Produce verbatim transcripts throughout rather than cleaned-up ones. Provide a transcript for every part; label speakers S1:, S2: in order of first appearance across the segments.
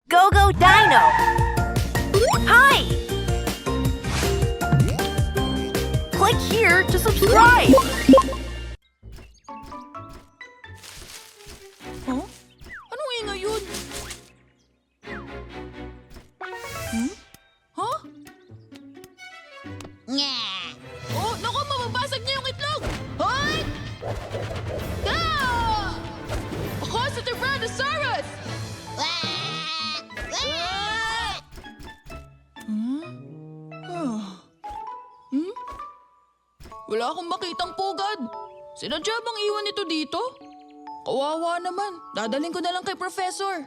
S1: Go Go Dino! Hi! Click here to subscribe!
S2: Huh? Anong ingay yun? Hmm? Huh?
S3: Nga!
S2: Oh, naku, mababasag niya yung itlog! Hoy! Ah! Ako sa Tyrannosaurus!
S3: Wah! Wah!
S2: Hmm? Ah. Hmm? Wala akong makitang pugad. Sinadya bang iwan ito dito? Kawawa naman. Dadaling ko na lang kay Professor.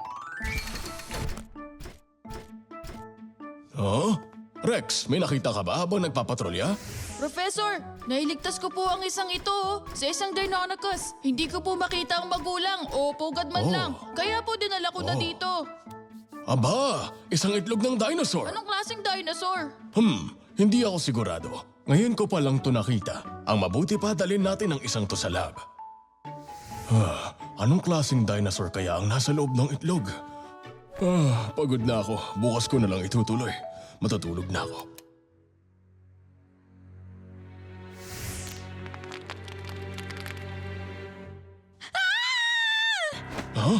S4: Oh? Rex, may nakita ka ba habang nagpapatrolya?
S2: Professor, nailigtas ko po ang isang ito oh, sa isang Deinonychus. Hindi ko po makita ang magulang o pugad man
S4: Oh.
S2: lang. Kaya po dinala ko na
S4: Oh.
S2: dito.
S4: Aba, isang itlog ng dinosaur.
S2: Anong klaseng dinosaur?
S4: Hmm, hindi ako sigurado. Ngayon ko pa lang to nakita. Ang mabuti pa dalhin natin ang isang to sa lab. Ah, anong klaseng dinosaur kaya ang nasa loob ng itlog? Ah, pagod na ako. Bukas ko na lang itutuloy. Matutulog na ako. Huh?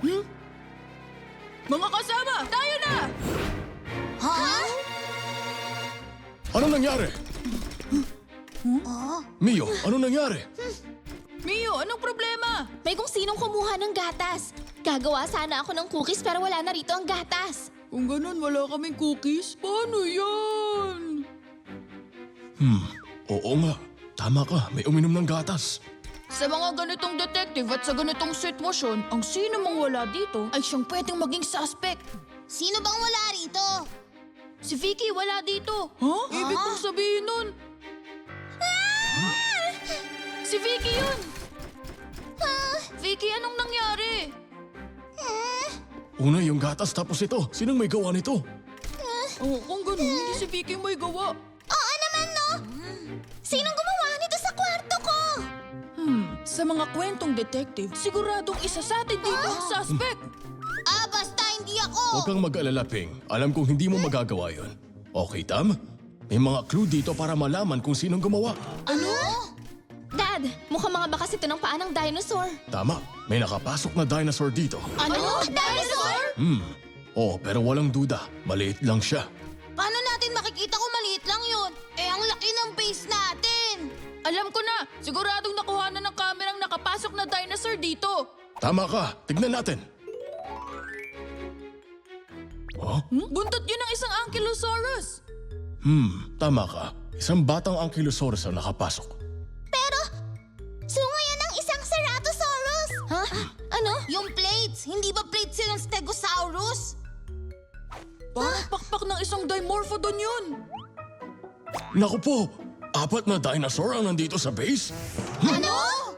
S2: Mga kasama, tayo na!
S3: Ha?
S4: Ano nangyari?
S3: Oh?
S4: Mio, ano nangyari?
S2: Mio, anong problema?
S5: May kung sinong kumuha ng gatas. Gagawa sana ako ng cookies pero wala na rito ang gatas.
S2: Kung ganun, wala kaming cookies, paano yan?
S4: Hmm, oo nga. Tama ka, may uminom ng gatas.
S2: Sa mga ganitong detective at sa ganitong sitwasyon, ang sino mang wala dito ay siyang pwedeng maging suspect.
S3: Sino bang wala rito?
S2: Si Vicky wala dito. Huh? Ibig kong sabihin nun. Si Vicky yun! Vicky, anong nangyari?
S4: Una yung gatas tapos ito. Sinong may gawa nito?
S2: Oh, kung ganun, hindi si Vicky may gawa.
S3: Oo naman, no? Sinong gumawa nito sa kwarto ko?
S2: Hmm, sa mga kwentong detective, siguradong isa sa atin dito ang suspect.
S3: Ah, basta hindi ako.
S4: Huwag kang mag-alala, Ping. Alam kong hindi mo magagawa yon. Okay, Tam? May mga clue dito para malaman kung sinong gumawa.
S3: Ano?
S5: Dad, mukhang mga bakas ito ng paa ng dinosaur.
S4: Tama, may nakapasok na dinosaur dito.
S3: Ano? Dinosaur?
S4: Hmm, oh, pero walang duda. Maliit lang siya.
S3: Paano natin makikita kung maliit lang yun? Eh, ang laki ng base natin.
S2: Alam ko na, siguradong nakuha na ng kamerang nakapasok na dinosaur dito.
S4: Tama ka, tignan natin. Oh?
S2: Hmm? Buntot yun ng isang Ankylosaurus.
S4: Hmm, tama ka. Isang batang Ankylosaurus ang nakapasok.
S3: Pero, sungo yan ng isang Ceratosaurus.
S5: Ha? Ano?
S3: Yung plates, hindi ba plates yun ng Stegosaurus?
S2: Parang pakpak ng isang Dimorphodon yun.
S4: Naku po, apat na dinosaur ang nandito sa base?
S3: Ano?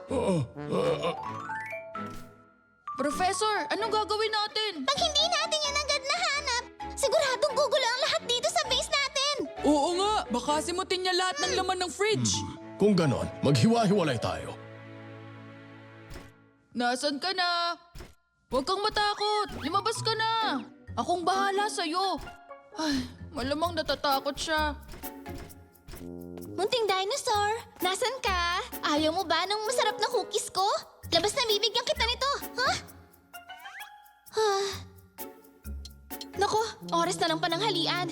S2: Professor, anong gagawin natin?
S3: Pag hindi natin yan agad nahanap, siguradong gugulo ang lahat dito sa base natin.
S2: Oo nga, baka simutin niya lahat ng laman ng fridge.
S4: Kung ganon, maghiwa-hiwalay tayo.
S2: Nasaan ka na? Huwag kang matakot, lumabas ka na. Akong bahala sa'yo. Ay, malamang natatakot siya.
S5: Munting dinosaur, nasan ka? Ayaw mo ba ng masarap na cookies ko? Labas na bibigyan kita nito, ha? Huh? Nako, oras na ng pananghalian.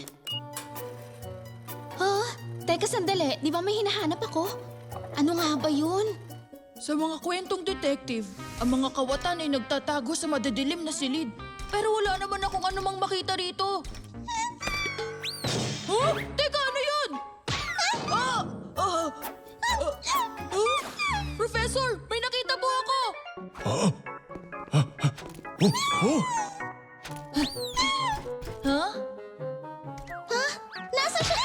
S5: Huh? Teka sandali, di ba may hinahanap ako? Ano nga ba yun?
S2: Sa mga kwentong detective, ang mga kawatan ay nagtatago sa madidilim na silid. Pero wala naman akong anumang makita rito. Huh? Teka, ano yun? Ah! Ah! Ah! Ah! Professor, may nakita po ako!
S4: Oh, oh,
S2: Ha?
S3: Nasa siya?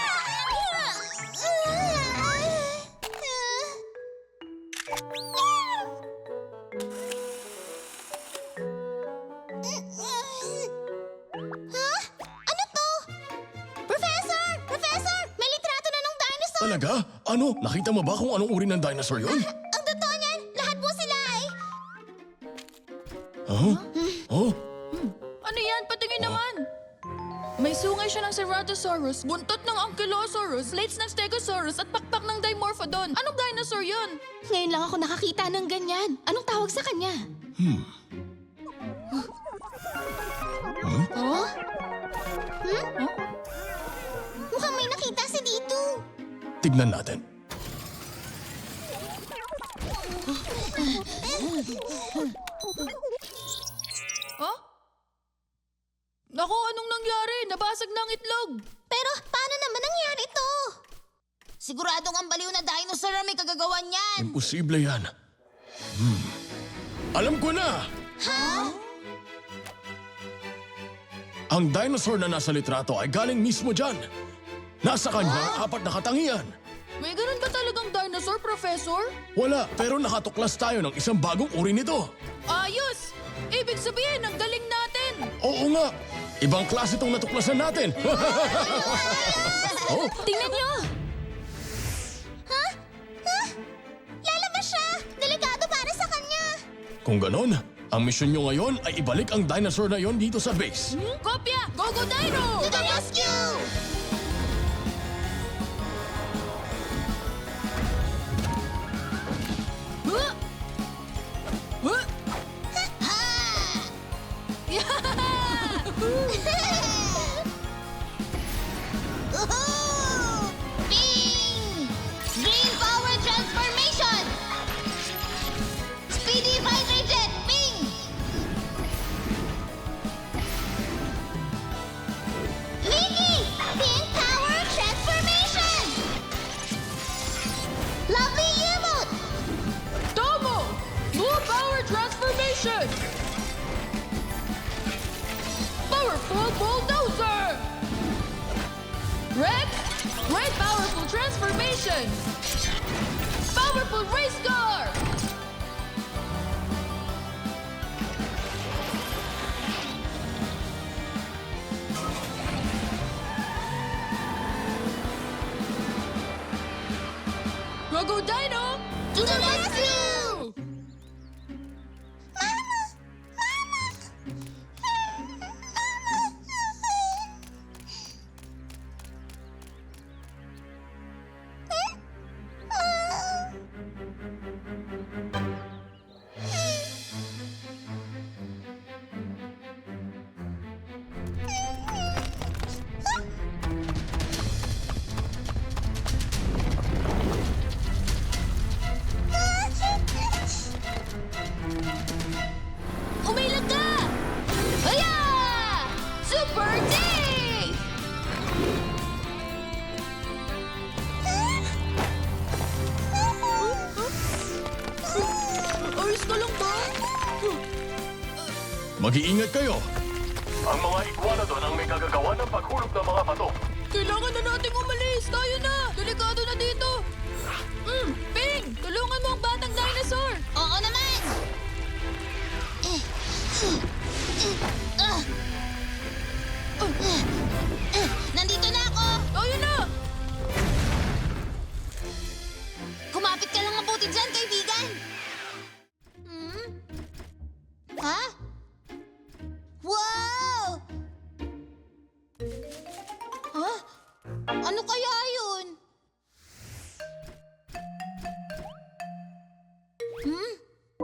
S3: Ha? Ano to? Professor! Professor! May litrato na ng dinosaur!
S4: talaga? Ano? Nakita mo ba kung anong uri ng dinosaur yun?
S3: Ang totoo niyan, lahat po sila ay...
S4: Huh? Oh?
S2: yan? Patingin naman. May sungay siya ng Ceratosaurus, buntot ng Ankylosaurus, plates ng Stegosaurus at pakpak ng Dimorphodon. Anong dinosaur yun?
S5: Ngayon lang ako nakakita ng ganyan. Anong tawag sa kanya?
S4: Hmm.
S5: Oh? Hmm?
S3: Mukhang may nakita si Dito.
S4: Tignan natin.
S2: Huh? Naku, anong nangyari? Nabasag na ang itlog.
S3: Pero paano naman nangyari ito? Siguradong ang baliw na dinosaur ang may kagagawan niyan.
S4: Imposible yan. Hmm. Alam ko na!
S3: Ha?
S4: Ang dinosaur na nasa litrato ay galing mismo dyan. Nasa kanya ang apat na katangian.
S2: May ganun ba talagang dinosaur, Professor?
S4: Wala, pero nakatuklas tayo ng isang bagong uri nito.
S2: Ayos! Ibig sabihin, ang galing natin!
S4: Oo nga! Ibang klase itong natuklasan natin. oh,
S5: Tingnan niyo!
S3: Ha? Ha? Lalabas siya! Delikado para sa kanya!
S4: kung ganon, ang misyon nyo ngayon ay ibalik ang dinosaur na yon dito sa base.
S2: Hmm? Kopya! Go, go, Dino!
S3: To the rescue!
S2: Huh? Huh?
S3: Ha! Woohoo! Bing! Green power transformation! Speedy fighter jet! Bing! Mickey! Pink power transformation! Lovely emote!
S2: Tomo! Blue power transformation! Powerful bulldozer! Rex! Red powerful transformation! Powerful race car! Go, go, Dino!
S3: To the rescue!
S5: Umilag ka! Aya! Super D!
S2: Ayos ka lang ba?
S4: Mag-iingat kayo. Ang mga iguanodon ang may kagagawa ng paghulog ng mga bato.
S2: Kailangan na nating umalis! Tayo na! Delikado na dito! Mm, Ping! Tulungan mo ang batang dinosaur!
S3: Oo naman! Nandito na ako!
S2: Tayo na!
S3: Kumapit ka lang mabuti dyan, kaibigan! Hmm? Ha? Wow! Ha? Ano kaya yun? Hmm?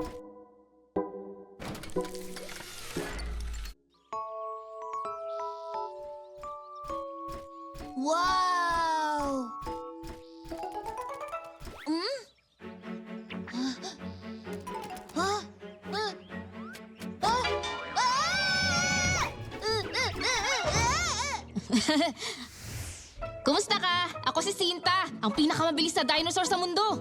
S3: Wow! Hmm? Ha? Ha? Ah! Ah!
S5: Kumusta ka? Ako si Sinta, ang pinakamabilis na dinosaur sa mundo.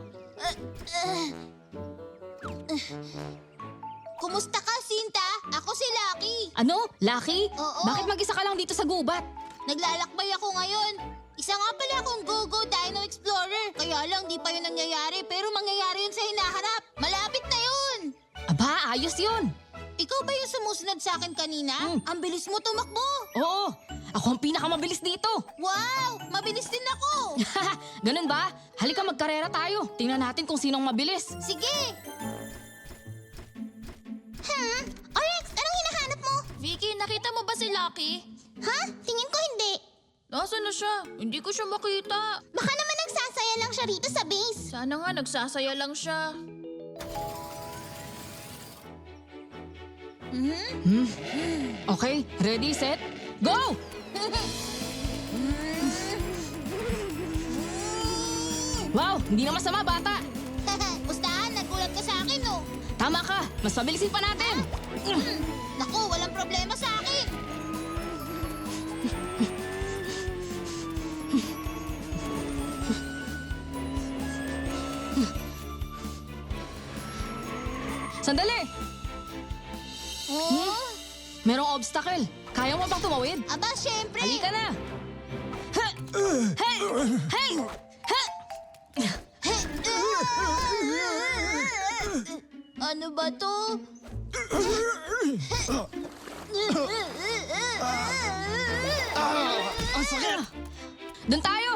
S3: Kumusta ka, Sinta? Ako si Lucky.
S5: Ano? Lucky?
S3: Oo.
S5: Bakit mag-isa ka lang dito sa gubat?
S3: Naglalakbay ako ngayon. Isa nga pala akong Go-Go Dino Explorer. Kaya lang di pa yun nangyayari, pero mangyayari yun sa hinaharap. Malapit na yun.
S5: Aba, ayos yun.
S3: Ikaw ba yung sumusunod sa akin kanina?
S5: Hmm.
S3: Ang bilis mo tumakbo.
S5: Oo, ako ang pinakamabilis dito.
S3: Wow! Mabilis din ako.
S5: Ganun ba? Halika magkarera tayo. Tingnan natin kung sinong mabilis.
S3: Sige. Hmm? Orex, anong hinahanap mo?
S5: Vicky, nakita mo ba si Lucky? Ha? Tingin ko hindi.
S2: Nasaan na siya? Hindi ko siya makita.
S5: Baka naman nagsasaya lang siya rito sa base.
S2: Sana nga nagsasaya lang siya.
S6: Okay, ready, set, go! Wow, hindi na masama, bata.
S3: Pustahan, nagulat ka sa akin, oh.
S6: Tama ka, mas mabilisin pa natin.
S3: Hmm, naku, walang problema sa akin.
S6: Sandali,
S3: Oh,
S6: merong obstacle. Kaya mo bang tumawid?
S3: aba, syempre.
S6: Halika na. Ha! Hey! Hey! Ha!
S3: Ano ba to?
S6: Ang sakit! Doon tayo!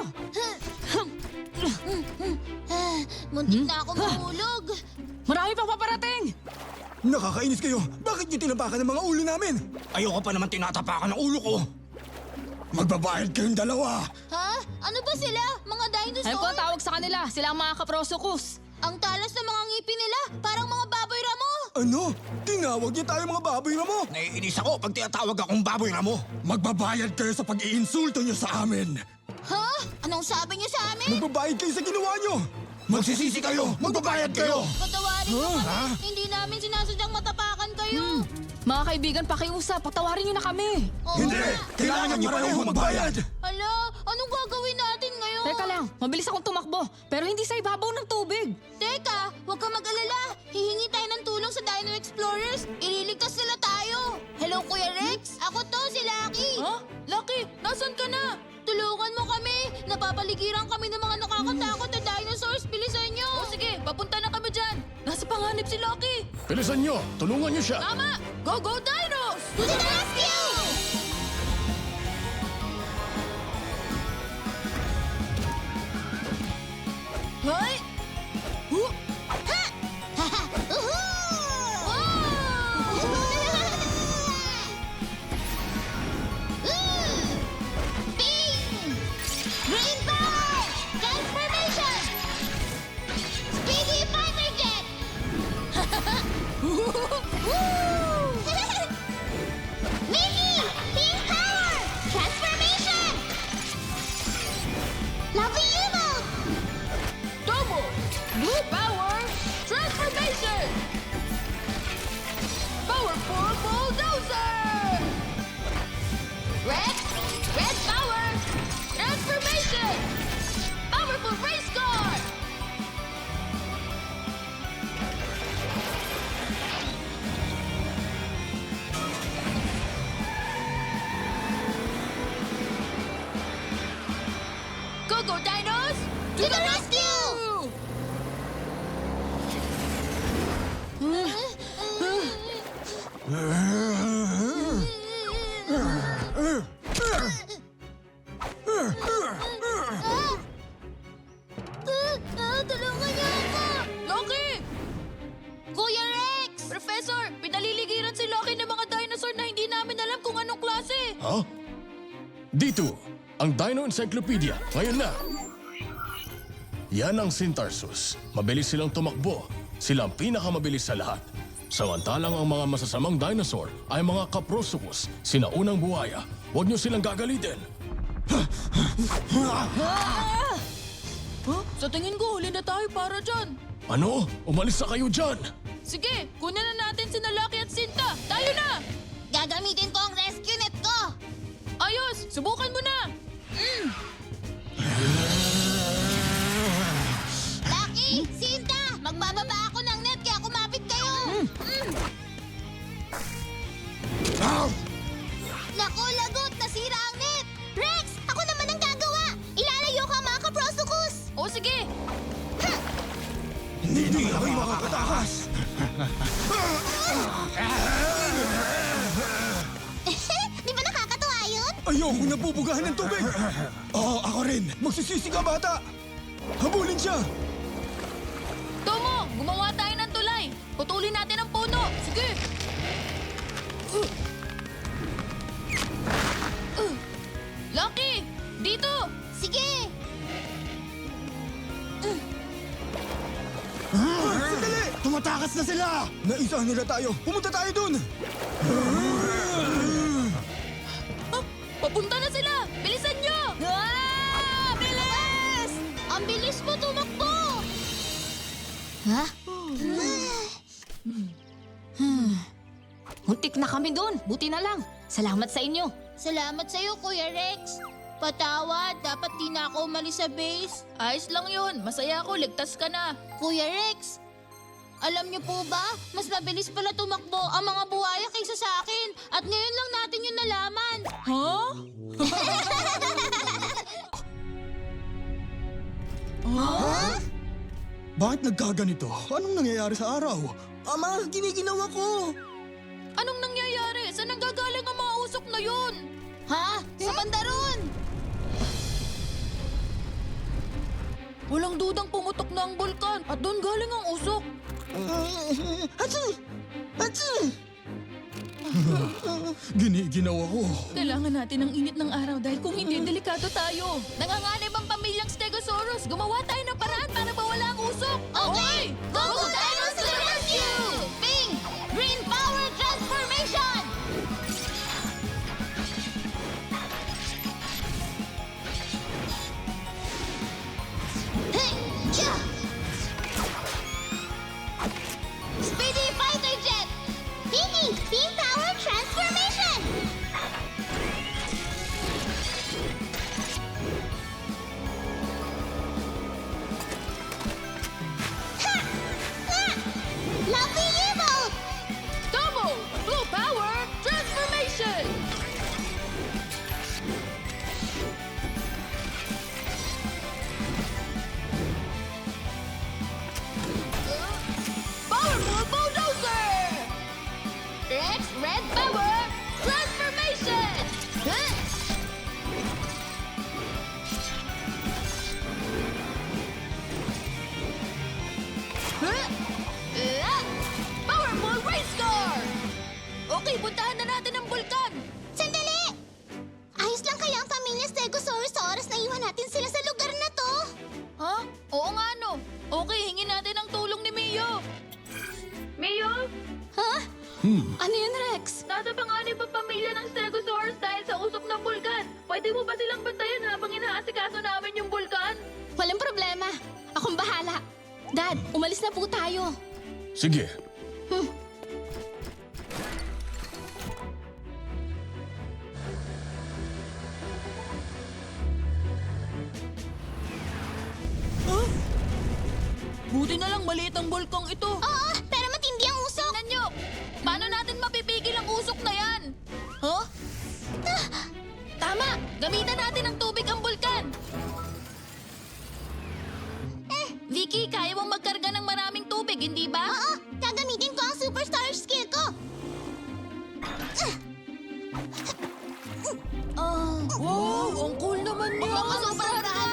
S3: Muntik na ako mahulog.
S6: Marami pang paparating!
S7: Nakakainis kayo! Bakit niyo tinapakan ng mga ulo namin? Ayoko pa naman tinatapakan ng ulo ko! Magbabayad kayong dalawa!
S3: Ha? Ano ba sila? Mga dinosaur?
S6: Alam ko ang tawag sa kanila, sila ang mga kaprosokus.
S3: Ang talas ng mga ngipin nila, parang mga baboy ramo.
S7: Ano? Tinawag niyo tayo mga baboy ramo? Naiinis ako pag tinatawag akong baboy ramo. Magbabayad kayo sa pag-iinsulto niyo sa amin!
S3: Ha? Anong sabi niyo sa amin?
S7: Magbabayad kayo sa ginawa niyo! Magsisisi kayo! Magbabayad kayo!
S3: Patawarin niyo kami. Hindi namin sinasadyang matapakan kayo.
S6: Mga kaibigan, pakiusap, patawarin niyo na kami.
S3: Oo
S7: Hindi!
S3: nga.
S7: Kailangan niyo pareho magbayad!
S3: Hala, anong gagawin natin ngayon?
S6: Teka lang, mabilis akong tumakbo, pero hindi sa ibabaw ng tubig.
S3: Teka, huwag ka mag-alala. Hihingi tayo ng tulong sa Dino Explorers. Ililigtas sila tayo. Hello, Kuya Rex. Ako to, si Lucky.
S2: Ha? Lucky, nasan ka na?
S3: Tulungan mo kami. Napapaligiran kami ng mga nakakatakot na dinosaurs. Bilisan niyo.
S2: O sige, papunta na kami dyan. Nasa panganib si Lucky.
S4: Bilisan nyo! Tulungan nyo siya!
S2: Tama! Go, go, Dinos!
S3: To the rescue!
S2: Hoy! Huh?
S3: Green power! Transformation! Speedy fighter jet! Mickey! Pink power! Transformation! Lovely emote!
S2: Double! Blue power! Transformation! Powerful bulldozer!
S3: Red! Red power!
S2: Transformation! Powerful race car! Go, go, Dinos!
S3: To the rescue! Ah, tulungan niyo ako!
S2: Lucky!
S3: Kuya Rex!
S2: Professor, pinaliligiran si Lucky ng mga dinosaur na hindi namin alam kung anong klase.
S4: Ha? Dito, ang Dino Encyclopedia. Ngayon na. Yan ang Sintarsus. Mabilis silang tumakbo. Sila ang pinakamabilis sa lahat. Samantalang ang mga masasamang dinosaur ay mga Kaprosokus, sinaunang buhaya. Huwag niyo silang gagalitin.
S2: Huh? Sa tingin ko, huli na tayo para dyan.
S4: Ano? Umalis na kayo dyan!
S2: Sige, kunin na natin si Lucky at Sinta. Tayo na!
S3: Gagamitin ko ang rescue net ko!
S2: Ayos, subukan mo na.
S3: Lucky! Sinta! Magbababa ako ng net kaya kumapit kayo! Mm. Naku, lagot! Nasira ang net! Rex! Ako naman ang gagawa! Ilalayo ka mga kaprosokus!
S2: O sige,
S7: Hindi na kayo makakatakas!
S3: Di ba nakakatuwa yun?
S7: Ayoko nabubugahan ng tubig! Oo, ako rin! Magsisisi ka, bata! Habulin siya!
S2: Tomo, gumawa tayo ng tulay. Putulin natin ang puno. Sige.
S3: Sige!
S7: Sandali! Tumatakas na sila! Naisahan nila tayo! Pumunta tayo dun!
S2: Ah, papunta na sila! Bilisan nyo!
S3: Ah! Bilis! Ang bilis mo tumakbo!
S6: Ha? Muntik na kami doon. Buti na lang. Salamat sa inyo.
S3: Salamat sa'yo, Kuya Rex. Patawad, dapat di na ako umalis sa base.
S2: Ayos lang yun. Masaya ako, ligtas ka na.
S3: Kuya Rex, alam niyo po ba, mas mabilis pala tumakbo ang mga buhaya kaysa sa akin. At ngayon lang natin yung nalaman.
S2: Huh?
S7: Bakit nagkaganito? Anong nangyayari sa araw? Ama, giniginawa ko!
S2: Anong nangyayari? Saan nanggagaling ang mga usok na yun?
S3: Ha? Sa banda ron!
S2: Walang dudang pumutok na ang bulkan at doon galing ang usok.
S7: Hatsi! Hatsi! Giniginawa ko.
S2: Kailangan natin ng init ng araw dahil kung hindi, delikado tayo. Nanganganib ang pamilyang Stegosaurus. Gumawa tayo ng paraan para mawala ang usok.
S3: Okay! Go Go Dinos to the rescue! Ping! Green Power Transformation! Hey! Yeah! Speedy Fighter Jet! Ping! Beam Power Transformation! Ha! Ha! Lovely Evolt!
S2: Double Blue Power Transformation! Powerful Bulldozer! Rex Red Power Transformation! Huh? Huh? Ah! Powerful Race Car! Okay, puntahan na natin ang bulkan!
S3: Sandali! Ayos lang kaya ang pamilya Stegosaurus sa oras na iwan natin sila sa lugar na to?
S2: Ha? Oo nga no. Okay, hingin natin ang tulong ni Mio. Mio?
S5: Ha? Ano yun, Rex?
S2: Nasa panganib ang pamilya ng Stegosaurus dahil sa usok ng bulkan. Pwede mo ba silang bantayan habang inaasikaso namin yung bulkan?
S5: Walang problema. Akong bahala. Dad, umalis na po tayo.
S4: Sige.
S2: Buti na lang maliit ang bulkang ito.
S3: Oo, pero matindi ang usok.
S2: Tingnan nyo! Paano natin mapipigil ang usok na yan? Huh? Tama! Gamitan natin ng tubig ang bulkan!
S3: Eh.
S2: Vicky, kaya mong magkarga ng maraming tubig, hindi ba?
S3: Oo, gagamitin ko ang superstar skill ko.
S2: Ah, wow! Ang cool naman niya!
S3: Makakasobrahan ka!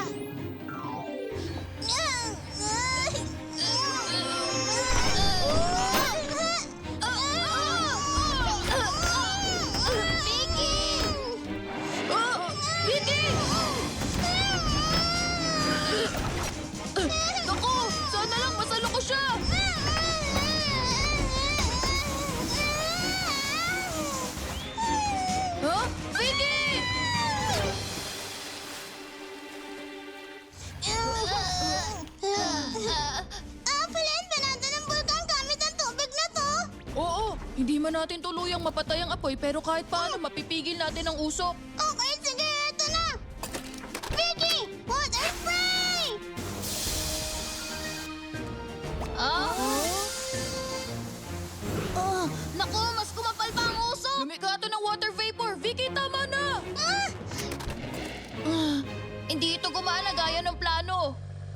S3: Vicky!
S2: Ah! Vicky! Naku! Sana lang masalo ko siya! Huh? Vicky!
S3: Apple, banata ng bulkan gamit ang tubig na to.
S2: Oo, hindi man natin tuluyang mapatay ang apoy pero kahit paano mapipigil natin ang usok.
S3: Okay, sige, ito na. Vicky, water spray!
S2: Ah?
S3: Oh, naku, mas kumapal pa ang usok.
S2: Lumikato ng water vapor. Vicky, tama na!
S3: Ah!
S2: Ah, hindi ito gumana gaya ng plano.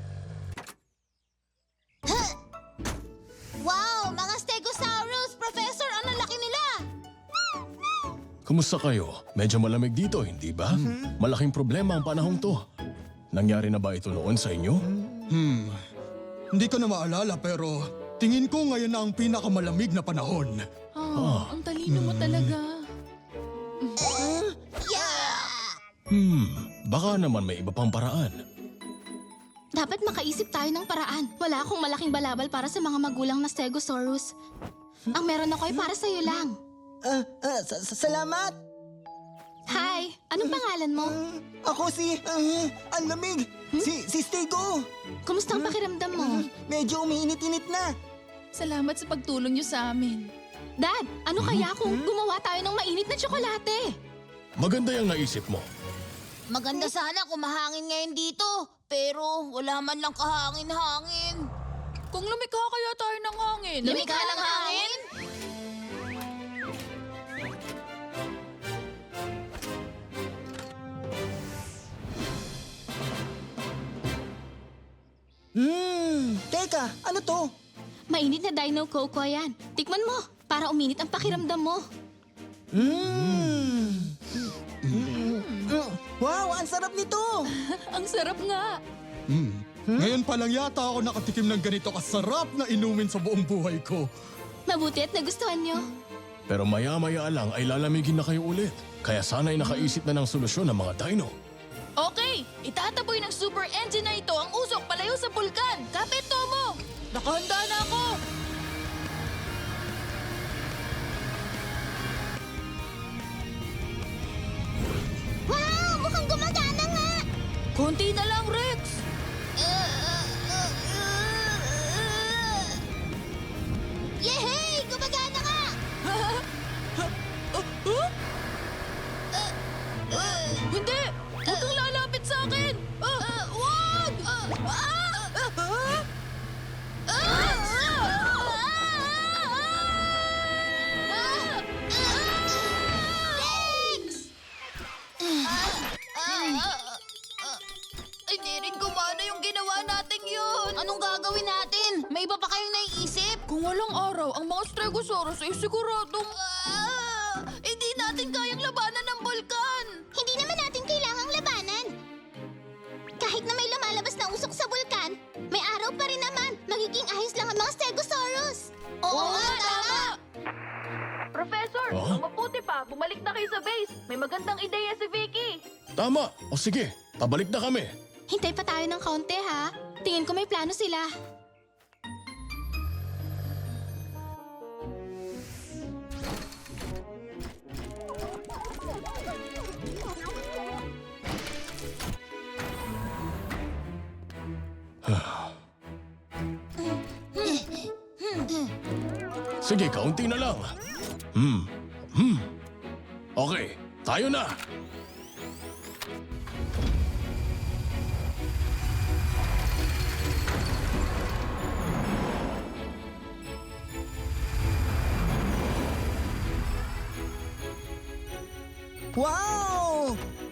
S3: Wow, mga Stegosaurus! Professor, ang lalaki nila!
S4: Kumusta kayo? Medyo malamig dito, hindi ba? Malaking problema ang panahong to. Nangyari na ba ito noon sa inyo?
S7: Hmm. Hindi ko na maalala pero tingin ko ngayon na ang pinakamalamig na panahon.
S2: Ah, ang talino mo talaga.
S3: Yeah!
S4: Hmm, Baka naman may iba pang paraan.
S5: Dapat makaisip tayo ng paraan. Wala akong malaking balabal para sa mga magulang na Stegosaurus. Ang meron ako ay para sa'yo lang.
S8: Ah, ah, sa- sa- salamat!
S5: Hi! Anong pangalan mo?
S8: Ah, ako si... ah, ang lamig! Si, si Stego!
S5: Kumusta ang pakiramdam mo?
S8: Medyo umiinit-init na.
S2: Salamat sa pagtulong niyo sa amin.
S5: Dad, ano kaya kung gumawa tayo ng mainit na tsokolate?
S4: Maganda yung naisip mo.
S3: Maganda sana kung mahangin ngayon dito. Pero wala man lang kahangin-hangin.
S2: Kung lumikha kaya tayo ng hangin.
S3: Lumikha ng hangin?
S8: Hmm, teka, ano to?
S5: Mainit na Dino Coco yan. Tikman mo, para uminit ang pakiramdam mo.
S8: Hmm. Mm, wow, ang sarap nito!
S2: Ang sarap nga.
S7: Ngayon pa lang yata ako nakatikim ng ganito kasarap na inumin sa buong buhay ko.
S5: Mabuti at nagustuhan nyo.
S4: Pero maya-maya lang ay lalamigin na kayo ulit. Kaya sana'y nakaisip na ng solusyon ng mga dino.
S2: Okay, itataboy ng super engine na ito ang usok palayo sa bulkan. Kapit, Tomo! Nakahanda na ako!
S3: Wow! Mukhang gumagana nga!
S2: Konti na lang, Rex!
S3: Yehey! Gumagana nga!
S2: Hindi! Huwag kang lalapit sa akin! Ah, wag!
S3: Hindi rin gumana yung ginawa natin yun. Anong gagawin natin? May iba pa kayong naiisip?
S2: Kung walang araw, ang mga Stegosaurus ay siguradong...
S3: Ah, hindi natin kayang labanan ng bulkan. Hindi naman natin kailangang labanan. Kahit na may lumalabas na usok sa bulkan, may araw pa rin naman. Magiging ayos lang ang mga Stegosaurus. Oo, nga, tama.
S1: Professor,
S4: Oh?
S1: ang mabuti pa, bumalik na kayo sa base. May magandang ideya si Vicky.
S4: Tama! O sige, pabalik na kami.
S5: Hintay pa tayo ng kaunti ha. Tingin ko may plano sila.
S4: Sige, kaunti na lang. Hmm. Hmm. Okay, tayo na.
S8: Wow!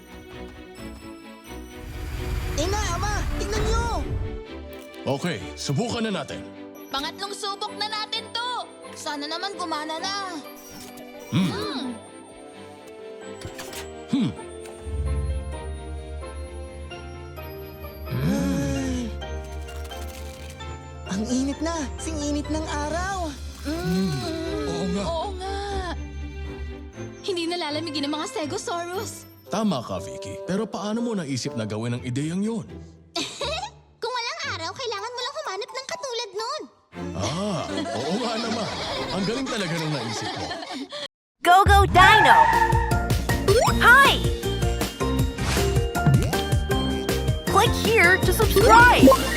S8: Ina, ama, tingnan nyo!
S4: Okay, subukan na natin.
S3: Pangatlong subok na natin to. Sana naman gumana na.
S4: Hmm. Hmm.
S8: Ay. Ang init na, sing init ng araw.
S7: Oo nga.
S2: Oo nga!
S5: Hindi nalalamigin ng mga Stegosaurus.
S4: Tama ka, Vicky. Pero paano mo naisip na gawin ang ideyang yun?
S3: Kung walang araw, kailangan mo lang humanap ng katulad nun.
S4: Ah, oo nga naman. Ang galing talaga nung naisip mo.
S1: Go Go Dino! Hi! Click here to subscribe!